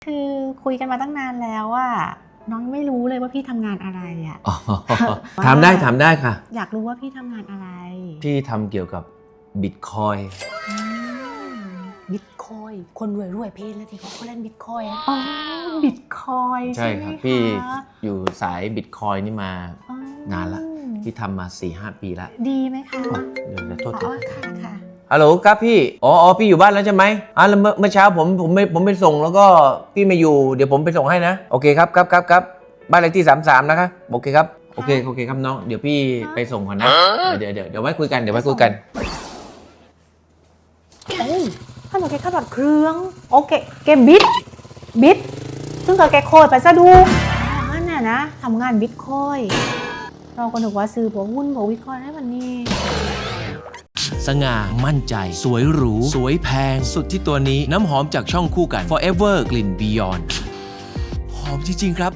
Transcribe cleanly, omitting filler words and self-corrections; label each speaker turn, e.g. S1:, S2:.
S1: คือคุยกันมาตั้งนานแล้วอะน้องไม่รู้เลยว่าพี่ทำงานอะไรอะ
S2: ถามได้ค่ะ
S1: อยากรู้ว่าพี่ทำงานอะไร
S2: พี่ทำเกี่ยวกับบิตคอย
S3: บิตคอยคนรวยๆเพศแล้วที่เขาเล่นบิตคอยอะ
S1: อ๋อบิตคอย
S2: ใช่
S1: ใช่ไหม
S2: ครับ
S1: คะ
S2: พี่อยู่สายบิตคอยนี่มา
S1: อ๋อน
S2: านละพี่ทำมา 4-5 ปีละ
S1: ดีไหมคะ
S2: เดี๋ยวโทษ
S1: อ๋อค่ะค่ะ
S2: ฮัลโหลครับพี่อ๋อพี่อยู่บ้านแล้วใช่ไหมแล้วเมื่อเช้าผมไปส่งแล้วก็พี่ไม่อยู่เดี๋ยวผมไปส่งให้นะโอเคครับบ้านเลขที่33นะคะโอเคครับโอเคครับน้องเดี๋ยวพี่ไปส่งก่อนนะเดี๋ยวไว้คุยกัน
S1: โอ้ยถ้าหนูแกขับรถเครื่องโอเคแกบิตซึ่งกับแกโคยไปซะดูนั่นน่ะนะทำงานบิตคอยเราก็นึกว่าซื้อพวกหุ้นพวกบิตคอยได้วันนี้
S4: สง่ามั่นใจ สวยหรู สวยแพง สุดที่ตัวนี้น้ำหอมจากช่องคู่กัน Forever กลิ่น Beyond หอมจริงๆครับ